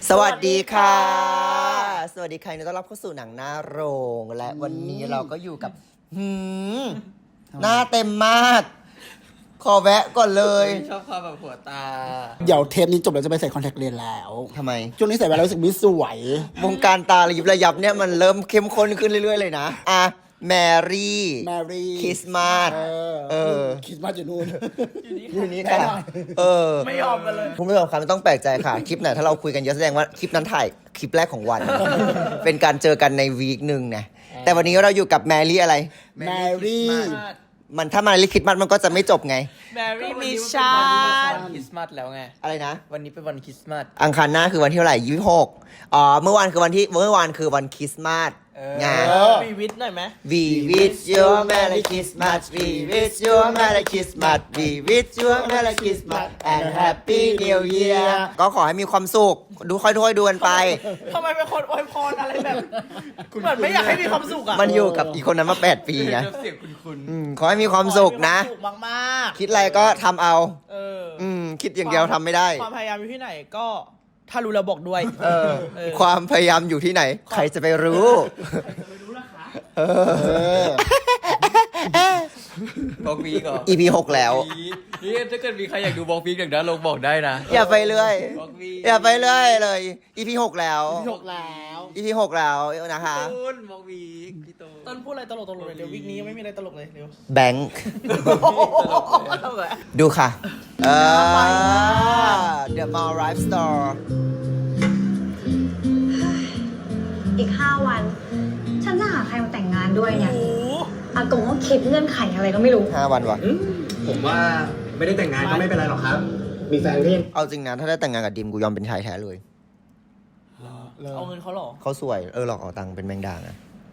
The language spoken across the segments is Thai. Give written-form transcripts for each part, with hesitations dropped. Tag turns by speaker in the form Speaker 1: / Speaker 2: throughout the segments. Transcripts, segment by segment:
Speaker 1: สวัสดีค่ะ สวัสดีค่ะต้อนรับเข้าสู่หนังหน้าโรงและวันนี้เราก็อยู่กับหน้าเต็มมาก ขอแวะก่อนเลย
Speaker 2: ชอบความแบบหัวตา
Speaker 3: เดี๋ยวเทปนี้จบแล้วจะไปใส่คอนแทคเลนส์แล้ว
Speaker 1: ทำไม
Speaker 3: ช่วงนี้ใส่ไปแล้วรู้สึกไม่สวย
Speaker 1: วงการตาระยิบระยับเนี่ยมันเริ่มเข้มข้นขึ้นเรื่อยๆเลยนะอ่ะแมรี่
Speaker 3: แมรี่
Speaker 1: คริสต์มาส
Speaker 3: คริสต์มาสอยู่นู่น
Speaker 1: อยู่นี่ค่ะไม่ยอมกันเลยคุณผู้ชมครับไม่ต้องแปลกใจค่ะ คลิปไหนถ้าเราคุยกันเยอะแสดงว่าคลิปนั้นถ่ายคลิปแรกของวัน เป็นการเจอกันในวีคหนึ่งนะแต่วันนี้เราอยู่กับแมรี่อะไร
Speaker 3: แมรี่
Speaker 1: มันถ้ามาลิคิดมันก็จะไม่จบไง
Speaker 2: แมรี่มิชชั่นคริสต์มาสแล้วไง
Speaker 1: อะไรนะ
Speaker 2: วันนี้เป็นวันคริสต์มาส
Speaker 1: อังคารหน้าคือวันที่เท่าไหร่26เมื่อวานคือวันคริสต์มาสไง
Speaker 2: วีวิทหน่อยไหม
Speaker 1: We wish you a Merry Christmas We wish you a Merry Christmas We wish you a Merry Christmas and Happy New Year ก็ขอให้มีความสุขดูค่อยๆดูกันไป
Speaker 2: ทำไมเป็นคนอวยพรอะไรแบบเหมือนไม่อยากให้มีความสุขอ่ะ
Speaker 1: มันอยู่กับอีกคนนั้นมา8 ปีไง
Speaker 2: เสียงคุณ
Speaker 1: ขอให้มีความสุขนะ
Speaker 2: สุขมาก
Speaker 1: คิดอะไรก็ทำเอา
Speaker 2: ๆ
Speaker 1: คิดอย่างเดียวทำไม่ได้
Speaker 2: ความพยายามอยู่ที่ไหนก็ถ้ารู้แล้วบอกด้วย
Speaker 1: ความพยายามอยู่ที่ไหน ใครจะไปรู้
Speaker 2: บอกวีก่อน
Speaker 1: EP 6 แล้ว
Speaker 2: นี่ถ้าเกิดมีใครอยากดูบอกวีอย่างนั้นลงบอกได้นะ
Speaker 1: อย่าไปเรื่อย
Speaker 2: บอกวี
Speaker 1: อย่าไปเรื่อยเลย EP 6 แล้ว
Speaker 3: จบแล้ว
Speaker 1: EP 6 แล้วนะคะ
Speaker 2: ต้นบอกวีพี่ต้นพูดอะไรตลกๆเลยเดี๋ยววีคนี้ยังไม่มีอะไรตลกเลยเร็ว
Speaker 1: แบงค์ ดูค่ะ The Maldives Store
Speaker 4: อีก 5 วัน ฉันจะหาใครมาแต่งงานด้วยเนี่ย
Speaker 2: โอ้
Speaker 4: อากงก็คิดเงื่อนไขอะไรก็ไม่รู้
Speaker 1: 5 วันวะ
Speaker 5: ผมว่าไม่ได้แต่งงานก็ไม่เป็นไรหรอกครับ มีแฟนก็ยัง
Speaker 1: เอาจริงนะ ถ้าได้แต่งงานกับดิมกูยอมเป็นชายแท้เลย
Speaker 2: เอาเงินเขาเหรอ
Speaker 1: เขาสวย หลอกเอาตังค์เป็นแมงดาอะ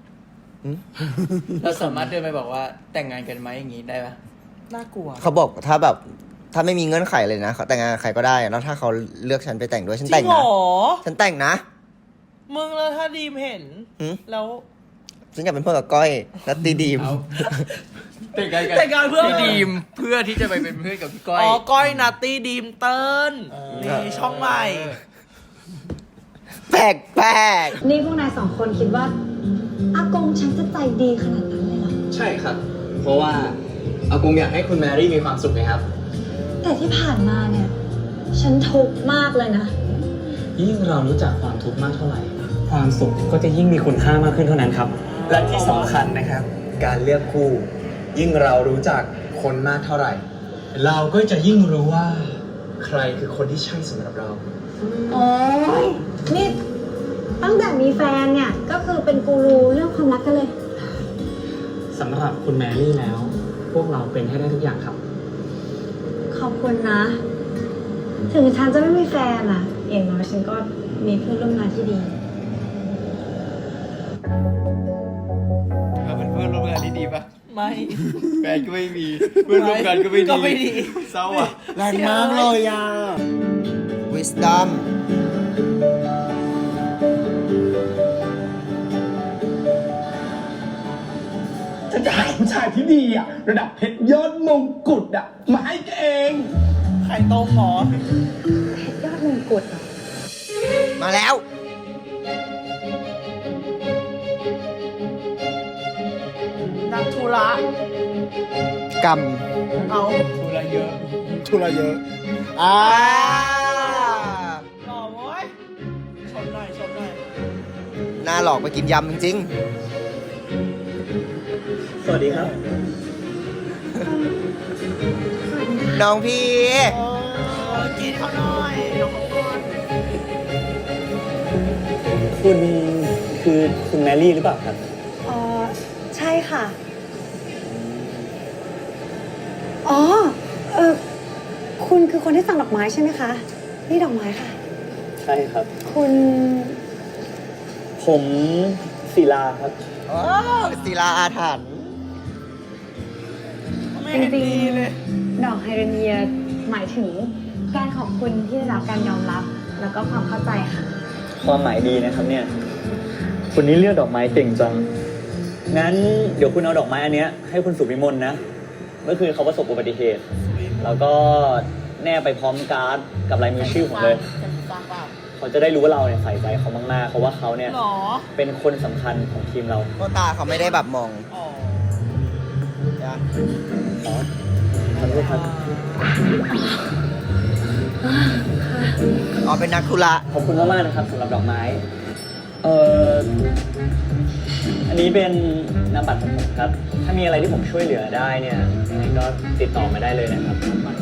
Speaker 2: เราสามารถเดินไปบอกว่าแต่งงานกันไหมอย่างนี้ได้ปะน่ากลัว
Speaker 1: เขาบอกถ้าไม่มีเงื่อนไขเลยนะเขาแต่งงานกับใครก็ได้ แล้วถ้าเขาเลือกฉันไปแต่งด้วยฉัน
Speaker 2: จ
Speaker 1: แต่
Speaker 2: ริ
Speaker 1: ง
Speaker 2: งเหร
Speaker 1: นะ
Speaker 2: อ
Speaker 1: ฉันแต่งนะ
Speaker 2: มึงแล้วถ้าดีมเห็น
Speaker 1: หืม
Speaker 2: แล้ว
Speaker 1: ฉันอยากเป็นเพื่อนกับก้อยนัตตีดีม
Speaker 2: แต่งงานเพื่อดีมเพื่อที่จะไปเป็นเพื่อนกับพี่ก้อยอ๋อก้อยนัตตี้ดีมเติ้ลนี่ช่องใหม่
Speaker 1: แปลก
Speaker 4: นี่พวกนาย2 คนคิดว่า อากงฉันจะใจดีขนาดนั้นเลยเหรอ
Speaker 5: ใช่ครับ เพราะว่าอากงอยากให้คุณแมรี่มีความสุขไงครับ
Speaker 4: แต่ที่ผ่านมาเนี่ย ฉันทุกข์มากเลยนะ
Speaker 6: ยิ่งเรารู้จักความทุกข์มากเท่าไหร่ ความสุขก็จะยิ่งมีคุณค่ามากขึ้นเท่านั้นครับ
Speaker 5: และที่สำคัญนะครับ การเลือกคู่ ยิ่งเรารู้จักคนมากเท่าไหร่ เราก็จะยิ่งรู้ว่า ใครคือคนที่ใช่สำหรับเรา
Speaker 4: โอ้ยนี่ตั้งแต่มีแฟนเนี่ย ก็คือเป็นกูรูเรื่องความรักกันเลย
Speaker 6: สำหรับคุณแมรี่แล้ว พวกเราเป็นให้ได้ทุกอย่างครับ
Speaker 4: ขอบคุณนะ ถึงฉันจะไม่มีแฟนอะอย่างน้อยฉันก็มีเพื่อนร่วมงานที่ดี
Speaker 2: เราเป็นเพื่อนร่วมงานที่ดีปะไม่แฟนก็ไม่มีเพื่อนร่วมงานก็ไม่ดีเศร้าอ่ะ
Speaker 3: แรงมากเลยอ่ะ
Speaker 1: ๆ Wisdom
Speaker 5: ฉันจะหาผู้ชายที่ดีอะระดับเพชรยอดมงกุฎอะมาให้แกเอง
Speaker 2: ไข่ต้มหรอย
Speaker 4: อดมงกุฎเหรอ
Speaker 1: มาแล้ว
Speaker 2: นักธุระ
Speaker 1: กรรม
Speaker 2: เอาธุระเยอะ
Speaker 3: ทุระเยอะ
Speaker 2: หล่อโว้ยชนหน่อย
Speaker 1: หน้าหลอกไปกินยำจริง
Speaker 6: สวัสดีครับ
Speaker 1: ๆ น้องพี่
Speaker 2: กินเขาหน่อยเดี๋ยวเขาก่อน
Speaker 6: คุณคือคุณแมรี่หรือเปล่าครับ
Speaker 4: ใช่ค่ะ อ๋อ คุณคือคนที่สั่งดอกไม้ใช่ไหมคะ นี่ดอกไม้ค่ะ
Speaker 6: ใช่ครับ
Speaker 4: คุณ
Speaker 6: ผมศิลาครับ
Speaker 1: โอ้ศิลาอาถรรพ์
Speaker 2: ไม่
Speaker 4: จ
Speaker 2: เห็น
Speaker 4: ริง
Speaker 2: ดีเลย
Speaker 4: ๆ ดอกไฮเดรเนียหมายถึงการขอบคุณที่ได้รับการยอมรับ แล้วก็ความเข้าใจค่ะ
Speaker 6: ความหมายดีนะครับเนี่ย คุณนี่เลือกดอกไม้เก่งจัง งั้นเดี๋ยวคุณเอาดอกไม้อันเนี้ยให้คุณสุวิมลนะ เมื่อคืนเขาประสบอุบัติเหตุ แล้วก็แนบไปพร้อมการ์ดกับลายมือชื่อผมเลย
Speaker 2: จะฟังเปล่า
Speaker 6: เขาจะได้รู้ว่าเราเนี่ยใส่ใจเขามากๆเพราะว่าเขาเนี่ย
Speaker 2: หรอ
Speaker 6: เป็นคนสำคัญของทีมเรา
Speaker 1: ก็ตาเขาไม่ได้แบบมอง
Speaker 2: อ๋อ
Speaker 6: ขอโทษครับ
Speaker 1: อ๋อเป็นนักธุระ
Speaker 6: ขอบคุณมากๆนะครับสำหรับดอกไม้อันนี้เป็นนามบัตรของผมครับ ถ้ามีอะไรที่ผมช่วยเหลือได้เนี่ยยังไงก็ติดต่อมาได้เลยนะครับ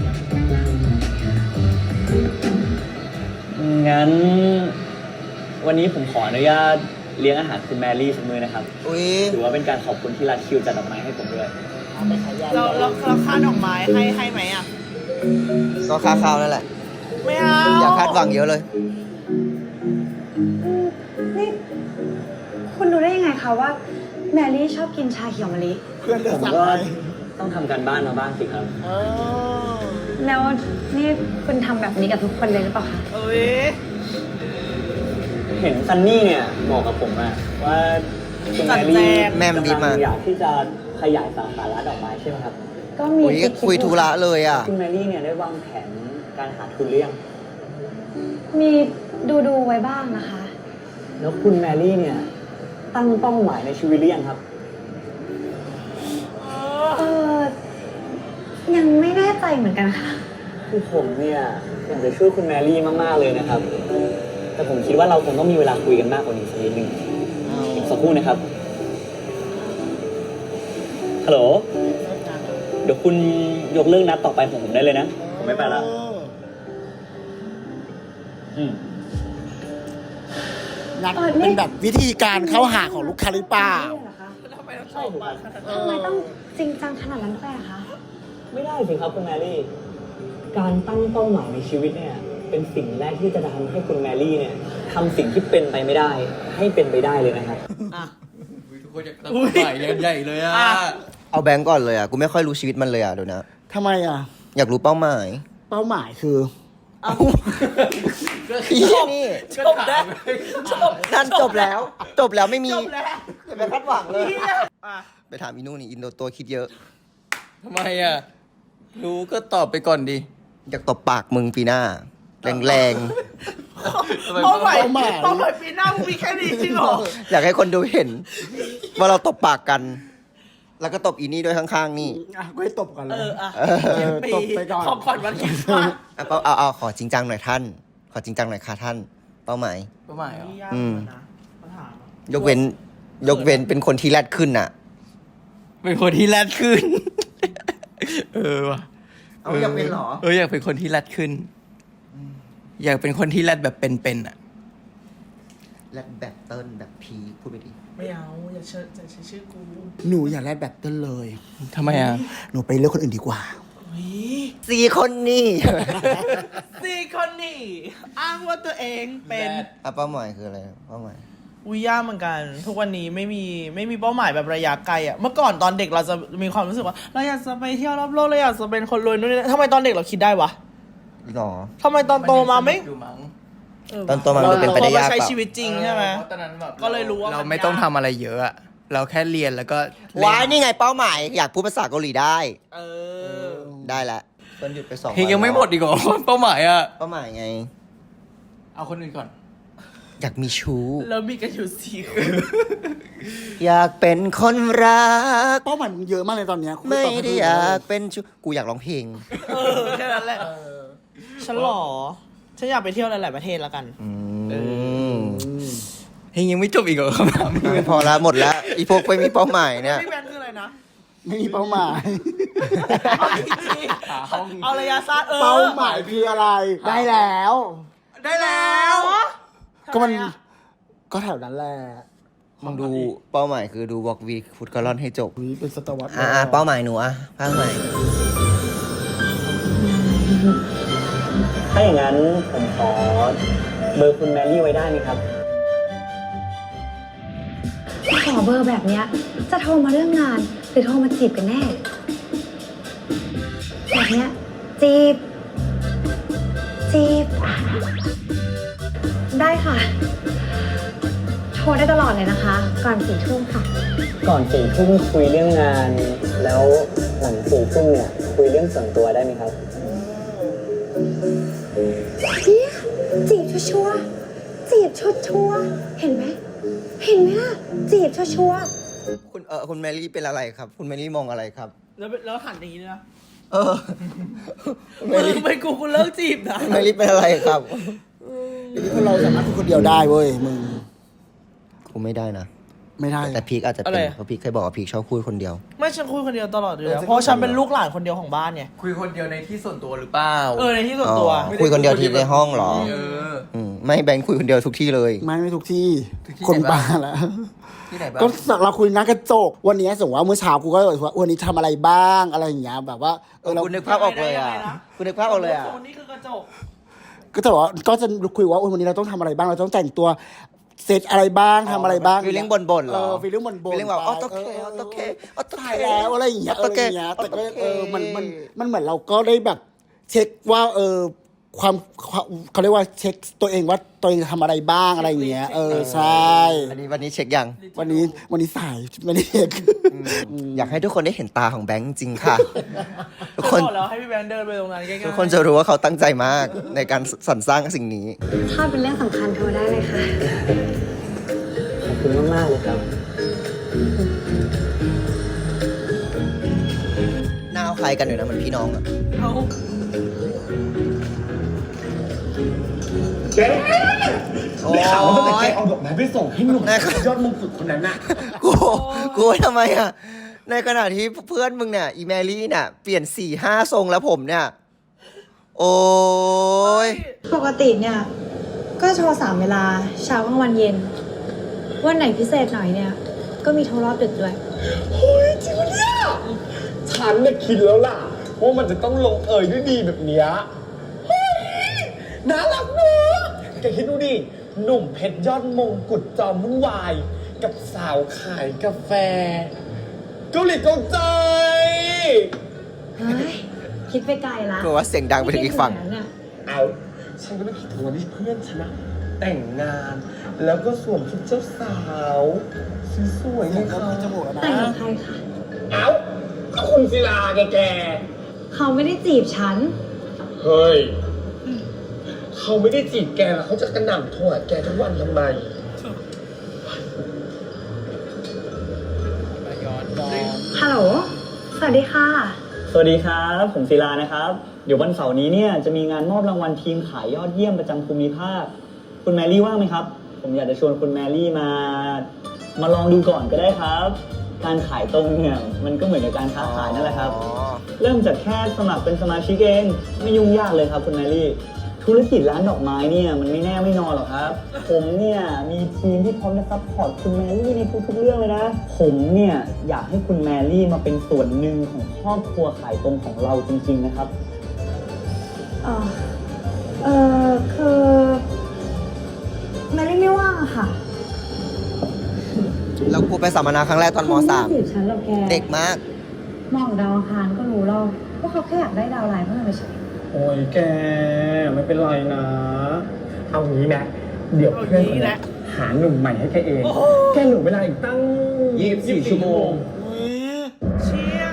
Speaker 6: งั้นวันนี้ผมขออนุญาตเลี้ยงอาหารคุณแมรี่สักมื้อนะครับ
Speaker 1: อุ้ย
Speaker 6: ถือว่าเป็นการขอบคุณที่รัดคิวจัดดอกไม้ให้ผมด้วย
Speaker 2: เราค่าดอกไม้ให้ไหมอ่ะ
Speaker 1: ก็ค่าข้าวนั่นแหละ
Speaker 2: ไม่เอา
Speaker 1: อย่าคาดหวังเยอะเลย
Speaker 4: นี่คุณรู้ได้ยังไงคะว่าแมรี่ชอบกินชาเขียวมะลิ
Speaker 3: เพื่อนเดือ
Speaker 6: ผ
Speaker 3: ด
Speaker 6: ม
Speaker 3: สั่ง
Speaker 6: ก็
Speaker 3: ไป
Speaker 6: ต้องทำการบ้านมาบ้างสิครับ
Speaker 4: แล้วนี่คุณทำแบบนี้กับทุกคนเลยหรือเปล่าคะ
Speaker 2: เอ้ย
Speaker 6: เห็นซันนี่เนี่ยบอกกับผมอะว่าคุณแมรี่
Speaker 1: แม่มันดีมาก
Speaker 6: กำลังอยากที่จะขยายสาขาร้านดอกไม้ใช่ไหมครับ
Speaker 4: ก็มี
Speaker 1: อุ้ย
Speaker 4: คิด
Speaker 1: คุยธุระเลยอ่ะ
Speaker 6: คุณแมรี่เนี่ยได้วางแผนการหาทุนหรือยัง
Speaker 4: มีดูไว้บ้างนะคะ
Speaker 6: แล้วคุณแมรี่เนี่ยตั้งเป้าหมายในชีวิตหรือยังครับ
Speaker 4: เออยังไม่แน่ใจเหมือนกันค่ะ
Speaker 6: คือผมเนี่ยอยากจะช่วยคุณแมรี่มากๆเลยนะครับ แต่ผมคิดว่าเราคงต้องมีเวลาคุยกันมากกว่านี้สักนิดนึงอีกสักครู่นะครับ ฮัลโหล เดี๋ยวคุณยกเรื่องนัดต่อไปของผมได้เลยนะ ผมไม่ไปละอืม
Speaker 3: นัดเป็นแบบวิธีการเข้าหาของลูกค้าหรือเปล่า
Speaker 2: ทำไมต้องชอบอ่ะ
Speaker 4: ทำไมต้องจริงจังขนาดนั้นด้วยอะคะ
Speaker 6: ไม่ได้สิครับคุณแมรี่ การตั้งเป้าหมายในชีวิตเนี่ย เป็นสิ่งแรกที่จะทำให้คุณแมรี่เนี่ยทำสิ่งที่เป็นไปไม่ได้ ให้เป็นไปได้เลยนะครับ
Speaker 2: ทุกคนอยากตั้งใหญ่ใหญ่เลยอ่ะ
Speaker 1: เอาแบงก์ก่อนเลยอ่ะ กูไม่ค่อยรู้ชีวิตมันเลยอ่ะเดี๋ยวนะ
Speaker 3: ทำไมอ่ะ
Speaker 1: อยากรู้เป้าหมาย
Speaker 3: เป้าหมายคือ
Speaker 1: นี่
Speaker 2: จบแล้วจบ
Speaker 1: นั่นจบแล้ว จบแล้วไม่มี
Speaker 2: จบแล้ว
Speaker 1: อย่าไปคาดหวังเลย
Speaker 2: อ่ะ
Speaker 1: ไปถามอีนู่นนี่อินโดตัวคิดเยอะ
Speaker 2: ทำไมอ่ะ รู้ก็ตอบไปก่อนดิ
Speaker 1: อยากตบปากมึงปีหน้า แรง
Speaker 2: เป้าหมายปีหน้ามึงมีแค่นี้จริงเหรอ
Speaker 1: ๆ อยากให้คนดูเห็น ว่าเราตบปากกัน แล้วก็ตบอีนี่ด้วยข้างๆนี่
Speaker 3: อ่ะก็ให้ตบกันเลย
Speaker 2: อ่ะ
Speaker 3: ตบไปก่อน
Speaker 2: ของขวัญวันคริสต์มาส
Speaker 1: เอาขอจริงจังหน่อยท่าน ขอจริงจังหน่อยค่ะท่าน เป้าหมาย
Speaker 2: เป้าหมายเหรอ
Speaker 1: อืม
Speaker 2: ปัญหา
Speaker 1: ยกเว้นเป็นคนที่แรดขึ้นน่ะ
Speaker 2: เป็นคนที่แรดขึ้น เออว่ะ
Speaker 1: เอาอยากเป็นเหรอ
Speaker 2: อยากเป็นคนที่แรดขึ้น อยากเป็นคนที่แรดแบบเป็นๆอ่ะ
Speaker 1: แรดแบบเติ้ลแบบพีพูดไปดิ
Speaker 2: ไม่เอา อย่าใช้ชื่อกู
Speaker 3: หนูอย่าแลดแบบเต้นเลย
Speaker 2: ทำไมอ่ะ
Speaker 3: หนูไปเลือกคนอื่นดีกว่า
Speaker 1: สี่คนนี่
Speaker 2: สี่คนนี่ อ้างว่าตัวเองเป็น
Speaker 1: เป้าหมายคืออะไรเป้าหมาย
Speaker 2: วิยากเหมือนกัน ทุกวันนี้ไม่มีเป้าหมายแบบระยะไกลอ่ะ เมื่อก่อนตอนเด็กเราจะมีความรู้สึกว่าเราอยากจะไปเที่ยวรอบโลกเราอยากจะเป็นคนรวยนู่นนี่นั่นทำไมตอนเด็กเราคิดได้วะ
Speaker 1: หรอ
Speaker 2: ทำไมตอนโตมาไม่
Speaker 1: ตอนโตมามันเป็นไปได้ยาก
Speaker 2: ใช้
Speaker 1: เปล่า
Speaker 2: ชีวิตจริงใช่ไหม
Speaker 7: ตอนนั้นแบบ
Speaker 2: ก็เลยรู้ว่า
Speaker 7: เรา
Speaker 2: น
Speaker 7: ไม่ต้องทำอะไรเยอะอะเราแค่เรียนแล้วก็เล่น
Speaker 1: ว้ายนี่ไงเป้าหมาย อยากพูดภาษาเกาหลีได้
Speaker 2: เออ
Speaker 1: ได้ละต้นหยุดไป2
Speaker 7: เพลงยังไม่หมดอีกเหรอ เป้าหมายอะ
Speaker 1: เป้าหมายไง
Speaker 7: เอาคนอื่นก่อน
Speaker 1: อยากมีชู้
Speaker 2: แล้วมีกันอยู่สี่คน
Speaker 1: อยากเป็นคนรัก
Speaker 3: เป้าหมายมึงเยอะมากเลยตอนเนี้ยคุณ
Speaker 1: ไม่
Speaker 3: ตอบให้
Speaker 1: ได้
Speaker 3: ถู
Speaker 1: อยากเป็นชู้ กูอยากร้องเพลง
Speaker 2: แค่นั้นแหละฉันหล่อฉันอยากไปเที่ยวหลายๆประเทศแล้วกัน
Speaker 7: เพลงยังไม่จบอีกเหรอคำถามนี้
Speaker 1: พอละหมดแล้ว อีพวกไม่มีเป้าหมายเนี่ย
Speaker 2: พี่แมนคืออะไรนะ
Speaker 3: ไม่มีเป้าหมาย
Speaker 2: เอาระยะสั้น
Speaker 3: เป้าหมายคืออะไร ได้แล้ว
Speaker 2: ได้แล้ว
Speaker 3: ก็มันก็แถวนั้นแหละ
Speaker 1: มึงดูเป้าหมายคือดูวอล์กวีฟุตกอลอนให้จบ
Speaker 3: อุ๊ยเป็นสตวรรษ
Speaker 1: เป้าหมายหนูเป้าหมาย
Speaker 6: ถ้าอย่างนั้นผมขอเบอร์คุณแมรี่ไว้ได้ไหมครับ
Speaker 4: ขอเบอร์แบบเนี้ยจะโทรมาเรื่องงาน หรือโทรมาจีบกันแน่ แบบเนี้ยจีบ ได้ค่ะ โทรได้ตลอดเลยนะคะ ก่อน4 ทุ่มค่ะ
Speaker 6: ก่อน4 ทุ่มคุยเรื่องงาน แล้วหลัง4 ทุ่มเนี่ยคุยเรื่องส่วนตัวได้ไหมครับ
Speaker 4: จีบชัวร์จีบชัวร์ๆเห็นไหมล่ะจีบชัวร์
Speaker 1: คุณแมรี่เป็นอะไรครับ คุณแมรี่มองอะไรครับ
Speaker 2: แล้วหันอย่างนี้เลยนะ
Speaker 1: เออ
Speaker 2: มึงไปกูเลิกจีบนะ
Speaker 1: คุณแมรี่เป็นอะไรครับ
Speaker 3: คนเราสามารถพูดคนเดียวได้เว้ยมึง
Speaker 1: กูไม่ได้นะ
Speaker 3: ไม่ได้
Speaker 1: แต่พีคอาจจะเป็นเพราะพีคเคยบอกว่าพีคชอบคุยคนเดียว
Speaker 2: ไม่ฉันคุยคนเดียวตลอดเลย
Speaker 3: เออ
Speaker 2: เพราะฉันเป็นลูกหลานคนเดียวของบ้านไง
Speaker 7: คุยคนเดียวในที่ส่วนตัวหรือเปล่า
Speaker 2: ในที่ส่วนตัว
Speaker 1: อ๋อคุยคนเดียวที่ในห้องเหรอ
Speaker 7: เออ
Speaker 1: ไม่แบงค์คุยคนเดียวทุกที่เลย
Speaker 3: ไม่ทุกที่
Speaker 7: ทุกที่
Speaker 3: คน
Speaker 7: ไหนบ้าง
Speaker 3: บ้าแล้ว
Speaker 7: ที่ไหนบ้าง
Speaker 3: ก็เราคุยหน้ากระจกวันนี้สมมติว่าเมื่อเช้ากูก็เลยว่าวันนี้ทำอะไรบ้างอะไรอย่างเงี้ยแบบว่าเรา
Speaker 1: คุณนึกภาพออกเลยอ่ะ คุณนึกภาพออกเลยอ่ะ
Speaker 2: โซนนี่คือกระจก
Speaker 3: ก็แต่ว่าก็จะคุยว่าวันนี้เราต้องทำอะไรบ้างเราต้องแต่งตัวเซตอะไรบ้างทำอะไรบ้าง
Speaker 1: ฟีลลิ่งบ่นๆเหรอ
Speaker 3: ฟีลลิ่งบ่นๆ
Speaker 1: ฟีลลิ่งแบบ
Speaker 3: ไป
Speaker 1: ออโตเคออโตเคออโตเค
Speaker 3: ถ่ายแล้วอะไรอย่างเงี้ย
Speaker 1: ออโตเค
Speaker 3: แต่ก็มันเหมือนเราก็ได้แบบเช็คว่าความเขาเรียกว่าเช็คตัวเองว่าตัวเองทำอะไรบ้างอะไรอย่างเงี้ยใช่
Speaker 1: วันนี้เช็คยัง
Speaker 3: วันนี้สายไม่ได้เช็ค
Speaker 1: อยากให้ทุกคนได้เห็นตาของแบงค์จริงค่ะ ทุกคน
Speaker 2: ฉับอกแล้วให้พี่แบงค์เดินไปตรงนั้นใกล้ๆ
Speaker 1: ทุกคนจะรู้ว่าเขาตั้งใจมากในการสรรสร้างสิ่งนี้
Speaker 4: ๆถ้าเป็นเรื่องสำคัญโทรได้เลยค่ะ
Speaker 6: ขอบคุณมากๆเลยครับ
Speaker 1: หน้าเอาคล้ายกันอยู่นะเหมือนพี่น้องอะ
Speaker 2: เอา
Speaker 1: โอ้ย
Speaker 5: ข่าวว่าตั้งแต่แกเอาดอกไม้ไปส่งให้หนุ่ม
Speaker 1: นะครับ
Speaker 5: ยอดมงกุฎคนนั้นน่ะ
Speaker 1: กูทำไมอะในขณะที่เพื่อนมึงเนี่ยอีแมรี่เนี่ยเปลี่ยน4-5ทรงแล้วผมเนี่ย โอ้ย
Speaker 4: ปกติเนี่ย ก็โทร3เวลาเช้ากลางวันเย็น วันไหนพิเศษหน่อยเนี่ย ก็มีโทรรอบดึกด้วย
Speaker 5: เฮ้ยจริงปะเนี่ยฉันเนี่ยคิดแล้วล่ะว่ามันจะต้องลงเอยด้วยดีแบบเนี้ยเฮ้ยน่ารักเนอะแกคิดดูดิ หนุ่มเพชรยอดมงกุฎจอมวุ่นวาย กับสาวขายกาแฟ เกาหลีเกาใจ
Speaker 4: เฮ้ย คิดไปไกลละ
Speaker 1: กลัวว่าเสียงดังไปถึงอีกฝั่ง
Speaker 4: คิดถึเนี่ย
Speaker 5: เอาฉันก็ไม่คิดถึงวันที่เพื่อนฉันนะแต่งงาน แล้วก็สวมชุดเจ้าสาวสวยๆเลยค่ะ
Speaker 3: จมูกแล้วนะ
Speaker 4: แต่งกับใครคะ
Speaker 5: เอาก็คุณศิลาแก
Speaker 4: เขาไม่ได้จีบฉัน
Speaker 5: เฮ้ย เขาไม่ได้จีบแกแล้วเขาจะกระหน่ำโทรหาแกทุกวันทำไม
Speaker 4: ฮัลโหล สวัสดีค่ะ
Speaker 6: สวัสดีครับ ผมศิลานะครับ เดี๋ยววันเสาร์นี้เนี่ยจะมีงานมอบรางวัลทีมขายยอดเยี่ยมประจำภูมิภาค คุณแมรี่ว่างไหมครับ ผมอยากจะชวนคุณแมรี่มาลองดูก่อนก็ได้ครับ การขายตรงเนี่ยมันก็เหมือนกับการค้าขายนั่นแหละครับ เริ่มจากแค่สมัครเป็นสมาชิกเองไม่ยุ่งยากเลยครับคุณแมรี่ ธุรกิจร้านดอกไม้เนี่ยมันไม่แน่ไม่นอนหรอกครับ ผมเนี่ยมีทีมที่พร้อมจะซัพพอร์ตคุณแมรี่ในทุกๆเรื่องเลยนะ ผมเนี่ยอยากให้คุณแมรี่มาเป็นส่วนหนึ่งของครอบครัวขายตรงของเราจริงๆนะครับ
Speaker 4: คือแมรี่ไม่ว่างอะค่ะ
Speaker 1: แล้วกูไปสัมมนาครั้งแรกตอนม
Speaker 4: เขาไม่จีบฉันหรอกแก
Speaker 1: .3 เด็กมาก
Speaker 4: มองดาวอังคารก็รู้แล้วว่าเขาแค่อยากได้ดาวไลน์เพื่อไปใช้
Speaker 5: โอ้ยแกไม่เป็นไรนะ เอางี้นะ เดี๋ยวเพื่อนคนนี้หาหนุ่มใหม่ให้แกเอง แกเหลือเวลาอีกตั้ง24 ชั่วโมง
Speaker 2: อุ๊ยเชี่ย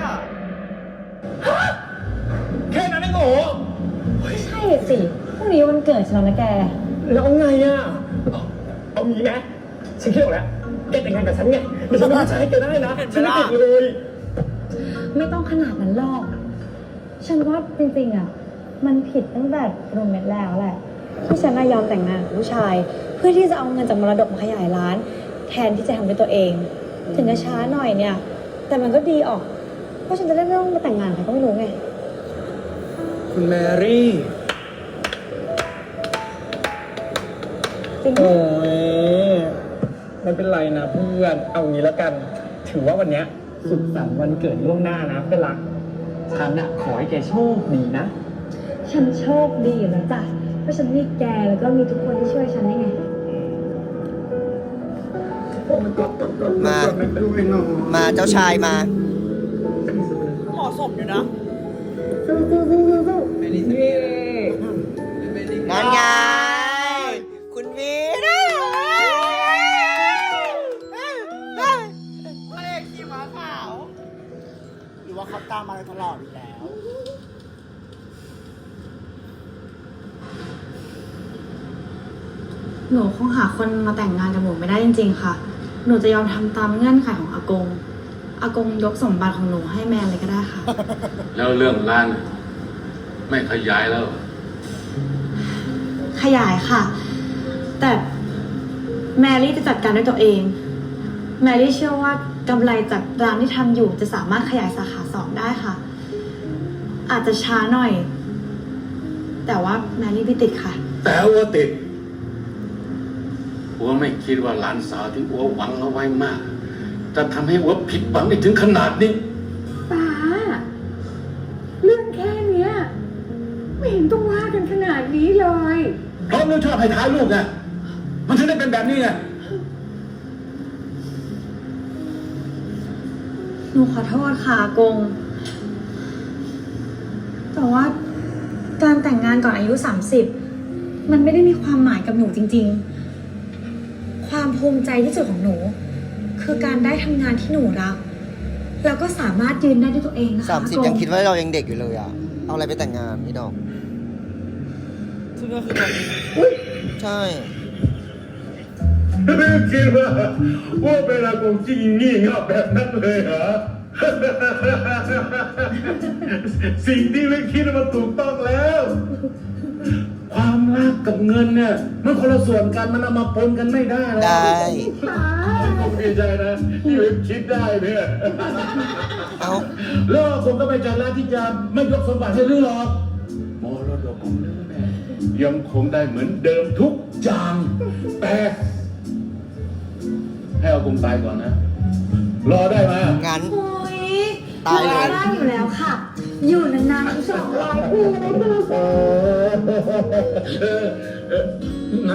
Speaker 5: แค่นั้นเองเหรอ
Speaker 4: ใช่สิพรุ่งนี้วันเกิดฉันแล้วนะแก
Speaker 5: แล้วไงอ่ะ เอางี้นะฉันคิดออกแล้ว แกแต่งงานกับฉันไงเดี๋ยวฉันไม่ใช้แกได้นะฉันไม่ติดเลย
Speaker 4: ไม่ต้องขนาดนั้นหรอก ฉันว่าจริงๆอะมันผิดตั้งแต่โรเมทแล้วแหละ ที่ฉันน่ะยอมแต่งงานกับผู้ชาย เพื่อที่จะเอาเงินจากมรดกมาขยายร้าน แทนที่จะทำด้วยตัวเอง ถึงจะช้าหน่อยเนี่ย แต่มันก็ดีออก เพราะฉันจะได้ไม่ต้องมาแต่งงานใครก็ไม่รู้ไง
Speaker 5: คุณแมรี่
Speaker 4: จริง
Speaker 5: โอ้ยไม่เป็นไรนะเพื่อน เอางี้แล้วกัน ถือว่าวันเนี้ยสุขสันต์วันเกิดล่วงหน้านะเป็นหลักฉันอะขอให้แกโชคดีนะ
Speaker 4: ฉันโชคดีอยู่แล้วจ้ะ เพราะฉันมีแกแล้วก็มีทุกคนที่ช่วยฉันได้ไง
Speaker 1: มาเจ้าชายมา
Speaker 2: เหมาะสมอยู่นะ
Speaker 1: นั่นไง คุณวีนะ
Speaker 2: พระเอกขี่ม้าขาว
Speaker 3: หรือว่าเขาตามมาตลอดอยู่แล้ว
Speaker 2: ม
Speaker 4: หนูคงหาคนมาแต่งงานกับหนูไม่ได้จริงๆค่ะ หนูจะยอมทำตามเงื่อนไขของอากง อากงยกสมบัติของหนูให้แมนเลยก็ได้ค่ะ
Speaker 8: แล้วเรื่องร้านไม่ขยายแล้ว
Speaker 4: ขยายค่ะ แต่แมรี่จะจัดการด้วยตัวเอง แมรี่เชื่อว่ากำไรจากร้านที่ทำอยู่จะสามารถขยายสาขา2ได้ค่ะ อาจจะช้าหน่อย แต่ว่าแมรี่ไม่ติดค่ะ
Speaker 8: แต่ว่าติดอัวไม่คิดว่าหลานสาวที่อัวหวังเอาไว้มาก จะทำให้อัวผิดหวังได้ถึงขนาดนี้
Speaker 9: ป้า เรื่องแค่เนี้ย ไม่เห็นต้องว่ากันขนาดนี้เลย
Speaker 8: เพราะลูกชอบให้ท้ายลูกไงมันถึงได้เป็นแบบนี้ไง
Speaker 4: หนูขอโทษค่ะอากง แต่ว่าการแต่งงานก่อนอายุ30มันไม่ได้มีความหมายกับหนูจริงๆ ความภูมิใจที่สุดของหนู คือการได้ทำงานที่หนูรัก แล้วก็สามารถยืนได้ด้วยตัวเองนะคะ
Speaker 1: 30ยังคิดว่าเรายังเด็กอยู่เลยอ่ะ เอาอะไรไปแต่งงานนี่ดอก
Speaker 2: ซึ่งก็คือตอนนี้
Speaker 1: ใช่
Speaker 8: ไม่คิดว่าเป็นอากงจริงงี่เง่าแบบนั้นเลยเหรอ สิ่งที่ไม่คิดมันถูกต้องแล้ว ความรักกับเงินเนี่ยมันคนละส่วนกันมันเอามาปนกันไม่ได้หรอก
Speaker 1: ได้
Speaker 8: ผมดีใจนะที่วิคิดได้เนี่ย
Speaker 1: เอา
Speaker 8: แล้วผมก็ไม่ใจร้ายที่จะไม่ยกสมบัติให้ลือหรอกมรดกของลือเนี่ยยังคงได้เหมือนเดิมทุกอย่างแต่ให้เอากงตายก่อนนะ รอได้ไหม
Speaker 1: งั้น
Speaker 4: โอ้ย
Speaker 1: ตายเลย
Speaker 4: ได้อยู่แล้วค่ะ อยู่นานๆ200 ปีเลยค่ะ
Speaker 8: นั่น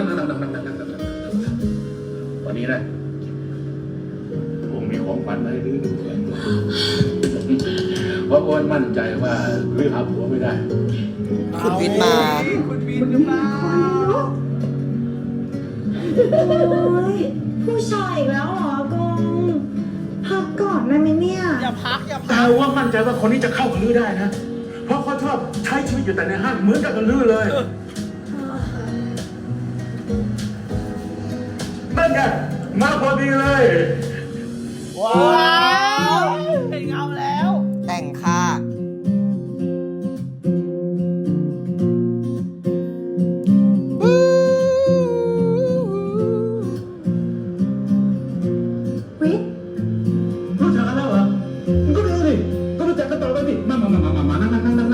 Speaker 8: วันนี้นะผมมีของขวัญมาให้ลือด้วยเพราะอ้วนมั่นใจว่าลือหาผัวไม่ได้
Speaker 1: คุณวิทย์มา
Speaker 2: คุณวินหรือเปล่า
Speaker 4: โอ้ยผู้ชายอีกแล้วเหรออากง พักก่อนได้ไหมเนี่ย
Speaker 2: อย่าพักอย่าพั
Speaker 8: แต่
Speaker 2: ก
Speaker 8: ว่ามั่นใจว่าคนนี้จะเข้ากับลือได้นะ เพราะเขาชอบใช้ชีวิตอยู่แต่ในห้างเหมือนกับลือเลยนั่นไงมาพอดีเลย
Speaker 2: ว้าวเห็นเงาแล้ว
Speaker 1: แต่งค่ะ
Speaker 4: วิทย์
Speaker 8: รู้จักกันแล้วเหรอก็รู้สิก็รู้จักกันต่อไปดิมานั่ง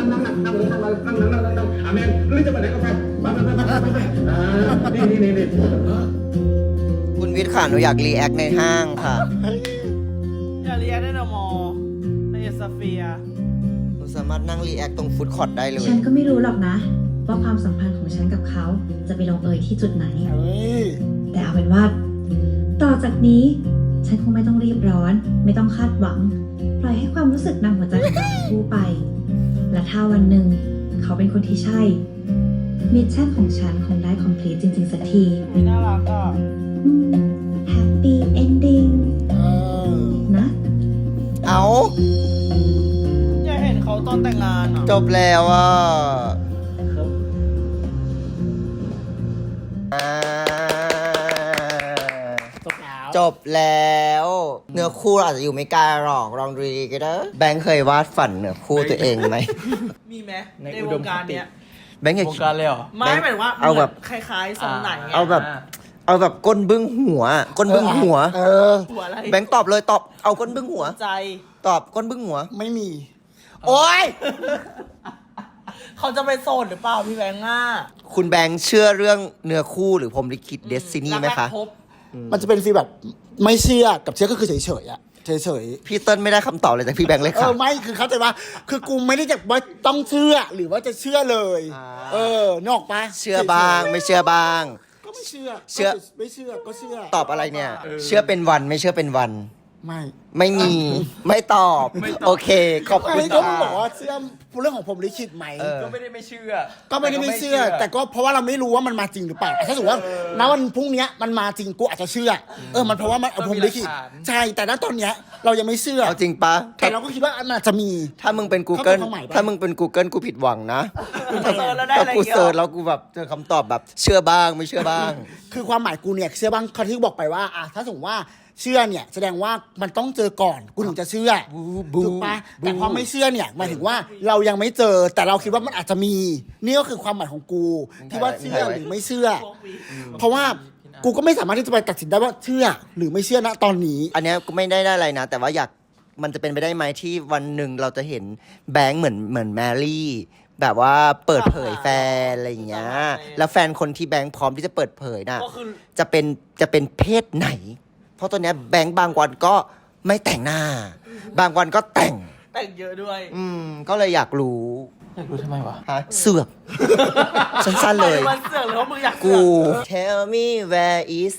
Speaker 8: อาเมนลือจะไปไหนก็ไปมานี่
Speaker 1: คุณวิทย์ค่ะ หนูอยากรีแอคในห้างค่ะ
Speaker 2: อย่าเรียกได้นะมอในสเฟียร์
Speaker 1: หนูสามารถนั่งรีแอคตรงฟู้ดคอร์ทได้เลย
Speaker 4: ฉันก็ไม่รู้หรอกนะ ว่าความสัมพันธ์ของฉันกับเขาจะไปลงเอยที่จุดไหน
Speaker 3: เฮ้ย
Speaker 4: แต่เอาเป็นว่า ต่อจากนี้ ฉันคงไม่ต้องรีบร้อน ไม่ต้องคาดหวัง ปล่อยให้ความรู้สึกนำหัวใจของเราทั้งคู่ไป และถ้าวันหนึ่งเขาเป็นคนที่ใช่ มิชชั่นของฉันคงได้คอมพลีทจริง ๆ สักที
Speaker 2: ไม่น่ารักอ่ะ
Speaker 4: แฮปปี้เอนดิ้ง
Speaker 3: เออ
Speaker 4: นะ
Speaker 1: เอา
Speaker 2: อยากเห็นเขาตอนแต่งงานอ่ะ
Speaker 1: จบแล้วอ่ะ
Speaker 6: ครับ
Speaker 1: อ่า
Speaker 2: จบแล้ว
Speaker 1: จบแล้ว เนื้อคู่เราอาจจะอยู่ไม่ไกลหรอกลองดูดีก็ได้แบงค์เคยวาดฝันเนื้อคู่ตัวเองไหม
Speaker 2: มีไหม
Speaker 6: ใน
Speaker 2: ใน
Speaker 6: อุ
Speaker 2: ว
Speaker 6: ด
Speaker 2: ง
Speaker 6: ม
Speaker 2: การ
Speaker 6: คติ
Speaker 2: เนี้ย
Speaker 1: แบงค์อยาก
Speaker 7: วงการเลยเหรอ
Speaker 2: ไม่หมายถึงว่า
Speaker 1: เอาแบบ
Speaker 2: คล้ายๆทรงไหนไง
Speaker 1: เอาแบบ เอาแบบก้นบึ้งหัว ก้นบึ้งหัว
Speaker 3: เออ
Speaker 2: หัวอะไร
Speaker 1: แบงค์ตอบเลยตอบ เอาก้นบึ้งหัว
Speaker 2: ใจ
Speaker 1: ตอบก้นบึ้งหัว
Speaker 3: ไม่มี
Speaker 1: โอ๊ย
Speaker 2: เขาจะไปโสดหรือเปล่าพี่แบงค์อ่ะ
Speaker 1: คุณแบงค์เชื่อเรื่องเนื้อคู่หรือพรหมลิขิตเดสตินีไหมคะ
Speaker 2: รักแรกพบ
Speaker 3: มันจะเป็นฟีลแบบไม่เชื่อกับเชื่อก็คือเฉยๆอะเฉยๆ
Speaker 1: พี่เติ้ลไม่ได้คำตอบเลยจากพี่แบงค์เลย
Speaker 3: เอ
Speaker 1: ค่ะ
Speaker 3: อไม่คือเข้าใจว่าคือกูไม่ได้จะว่าต้องเชื่อหรือว่าจะเชื่อเลย เออนกออกปะ
Speaker 1: เชื่อบ้างไม่เชื่อบ้าง
Speaker 3: ก็ไม่เชื่อ
Speaker 1: เชื่อ
Speaker 3: ไม่เชื่อก็เชื่อ
Speaker 1: ตอบอะไรเนี่ย เชื่อเป็นวันไม่เชื่อเป็นวัน
Speaker 3: ไม่
Speaker 1: ไม่มี ไม่ตอบ โอเค ขอบคุณ
Speaker 3: ไม่ก็
Speaker 1: ค่ะ
Speaker 3: บอกว่าเชื่อเรื่องของผมลิขิตไหม
Speaker 1: เออ
Speaker 7: ก็ไม่ได้ไม่เชื่อ
Speaker 3: ก็ไม่ได้ไม่เชื่อ แต่ก็เพราะว่าเราไม่รู้ว่ามันมาจริงหรือเปล่าถ้าสมมติว่าณวันพรุ่งเนี้ยมันมาจริงกูอาจจะเชื่อ มันเพราะว่ามันผมลิขิต
Speaker 7: ก็มีหลักฐาน
Speaker 3: ใช่แต่ณตอนเนี้ยเรายังไม่เชื่อ
Speaker 1: เอาจริงปะ
Speaker 3: แต่เราก็คิดว่ามันอาจจะมี
Speaker 1: ถ้ามึงเป็น Google
Speaker 3: เข้าไปความหมายปะ
Speaker 1: ถ้ามึงเป็น Google กูผิดหวังนะ
Speaker 2: เซิร์ชแล้วได้
Speaker 1: ถ้า
Speaker 2: อะไร
Speaker 1: กู
Speaker 2: เงี้ย
Speaker 1: เซิร์ชแล้วกูแบบเจอคำตอบแบบเชื่อบ้างไม่เชื่อบ้าง
Speaker 3: คือความหมายกูเนี่ยเชื่อบ้างเขาที่บอกไปว่าถ้าสมมติว่าเชื่อเนี่ยแสดงว่ามันต้องเจอก่อนกูถึงจะเชื่อถูกปะแต่พอไม่เชื่อเนี่ยหมายถึงว่าเรายังไม่เจอแต่เราคิดว่ามันอาจจะมีนี่ก็คือความหมายของกูที่ว่าเชื่อหรือไม่เชื่อ เพราะว่ากูก็ไม่สามารถที่จะไปตัดสินได้ว่าเชื่อหรือไม่เชื่อณตอนนี้
Speaker 1: อันเนี้ยก็ไม่ได้อะไรนะ แต่ว่ามันจะเป็นไปได้ไหมที่วันหนึ่งเราจะเห็นแบงค์เหมือนแมรี่แบบว่าเปิดเผยแฟนอะไรอย่างเงี้ยแล้วแฟนคนที่แบงค์พร้อมที่จะเปิดเผยน่ะ
Speaker 2: ก็คือ
Speaker 1: จะเป็นเพศไหน เพราะตอนเนี้ยแบงค์บางวันก็ไม่แต่งหน้า บางวันก็แต่ง
Speaker 2: แต่งเยอะด้วย
Speaker 1: ก็เลยอยากรู้
Speaker 2: อยากรู้ทำไมวะ
Speaker 1: เสือก สั้นๆเลย
Speaker 2: มันเสือกหรือว่ามึงอยากเสื
Speaker 1: กู
Speaker 2: อก
Speaker 1: Tell me where is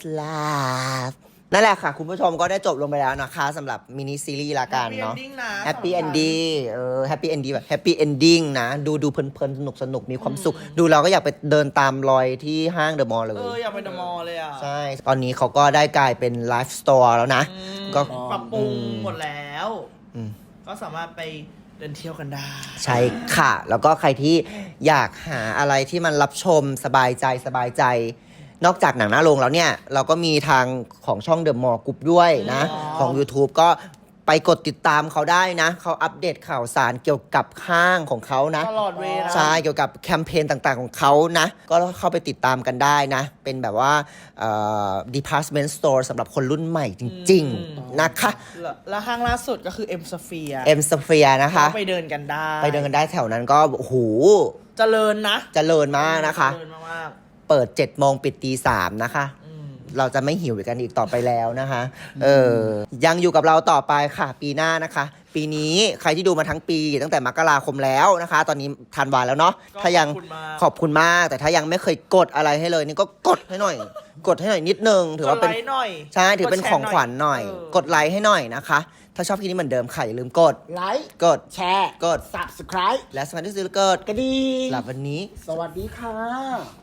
Speaker 1: love นั่นแหละค่ะ คุณผู้ชมก็ได้จบลงไปแล้วนะคะสำหรับมินิซีรีส์ละกันเนาะ Happy Ending Happy Ending แบบ Happy Ending นะ ดูเพลินๆ สนุกมีความสุข ดูเราก็อยากไปเดินตามรอยที่ห้างเดอะมอลล์เลย
Speaker 2: อยากไปเดอะมอลล์เลยอ่ะ
Speaker 1: ใช่ ตอนนี้เขาก็ได้กลายเป็นไลฟ์สโตร์แล้วนะ ก็
Speaker 2: ปรับปรุงหมดแล้ว
Speaker 1: อืม
Speaker 2: ก็สามารถไปเดินเที่ยวกันได้
Speaker 1: ใช่ค่ะ แล้วก็ใครที่อยากหาอะไรที่มันรับชมสบายใจ นอกจากหนังหน้าโรงแล้วเนี่ย เราก็มีทางของช่อง The Mall Group ด้วยนะ ของ YouTube ก็ไปกดติดตามเขาได้นะ เขาอัปเดตข่าวสารเกี่ยวกับห้างของเขานะ
Speaker 2: ตลอดเวลา
Speaker 1: ใช่ เกี่ยวกับแคมเปญต่างๆของเขานะ ก็เข้าไปติดตามกันได้นะ เป็นแบบว่าdepartment store สำหรับคนรุ่นใหม่จริง ๆ นะคะ
Speaker 2: แล้วห้างล่าสุดก็คือ M Sphere
Speaker 1: M Sphere นะคะ
Speaker 2: ก็ไปเดินกันได้
Speaker 1: ไปเดินกันได้แถวนั้นก็โอ้โห
Speaker 2: เจริญนะ
Speaker 1: เจริญมากนะคะ
Speaker 2: เจริญมาก
Speaker 1: เปิด7 โมงปิดตี 3นะคะ เราจะไม่หิวกันอีกต่อไปแล้วนะคะ ยังอยู่กับเราต่อไปค่ะ ปีหน้านะคะ ปีนี้ใครที่ดูมาทั้งปีตั้งแต่มกราคมแล้วนะคะ ตอนนี้ธันวาแล้วเนาะ
Speaker 2: ก็
Speaker 1: ถ้ายัง
Speaker 2: ขอบคุณมาก
Speaker 1: แต่ถ้ายังไม่เคยกดอะไรให้เลยนี่ก็กดให้หน่อย กดให้หน่อยนิดนึง ถือว่าเป็น
Speaker 2: กดไลค์หน่อย
Speaker 1: ใช่ถือเป็น
Speaker 2: กดแชร์
Speaker 1: ของขวัญหน่อย
Speaker 2: หน่อย
Speaker 1: กดไลค์ให้หน่อยนะคะ ถ้าชอบคลิปนี้เหมือนเดิมค่ะอย่าลืมกด
Speaker 3: ไลค์
Speaker 1: กด
Speaker 3: แชร์
Speaker 1: กด
Speaker 3: subscribe
Speaker 1: และสมัครที่ซื้อกด
Speaker 3: กระดิ่ง
Speaker 1: สำหรับวันนี้
Speaker 3: สวัสดีค่ะ